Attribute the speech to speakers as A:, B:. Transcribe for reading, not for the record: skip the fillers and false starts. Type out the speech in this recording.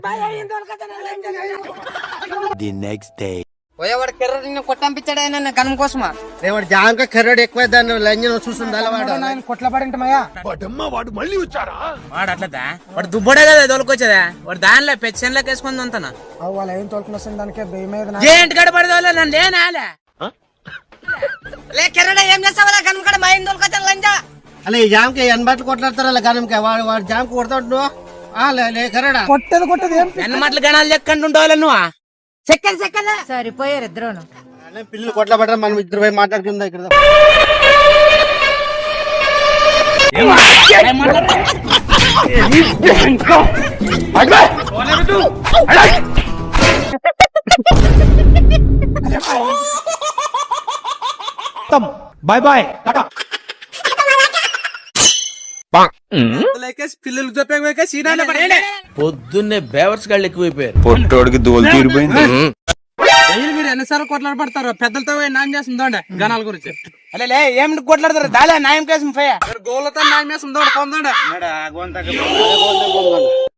A: The next day.
B: పోయేవాడు కెర్రని కొట్టంపించాడు ఆయన గనం కోసమా
C: వాడు జాంక కర్రడు ఎక్కువ దాన్ని లంజన్ చూస్తుంది వాడు
D: కొట్ల పడింటమయ్యా
E: వాడు అట్లదా వాడు దుబ్బడే కదా తోలుకొచ్చేదా వాడు దానిలో పెన్షన్లోకి వేసుకుంది అంతనా
D: వాళ్ళు ఏం తోలుకుని వస్తుంది దానికి భయమేది
E: ఏంటి గడ పడదోలే నన్ను లేనాలే
B: లే కెర్రడ ఏం చేస్తావా గనం కాడ మా ఇంటి తోలుకొచ్చాడు లంజా
C: అలా ఈ జాంకి ఎనబట్లు కొట్లాడతారు అలా గనంకి వాడు జాంకి కొడతాడు కర్రడా
D: కొట్టేది ఏం
E: ఎన్ని మాటలు గణాలు చెక్కండి ఉండవాలి నువ్వు
B: చెక్కలే
F: సరిపోయారు ఇద్దరును.
C: పిల్లలు కొట్ల పడరా మనం ఇద్దరు పోయి మాట్లాడుకుందా ఇక్కడ
D: బాయ్ బాయ్ టాటా.
E: పిల్లలు చెప్పే సీనాలే పడే
G: పొద్దున్నే బేవర్స్ గాళ్ళు ఎక్కువైపోయారు.
A: పొట్టోడికి దోలు తీరిపోయింది.
E: మీరు ఎన్నిసార్లు కొట్లాడ పడతారు పెద్దలతో న్యాయం చేస్తుందండి గణాల గురించి అలే ఏమిటి కొట్లాడతారు దాలే న్యాయం కేసు గోళ్ళతో న్యాయం చేస్తుందో పొందండి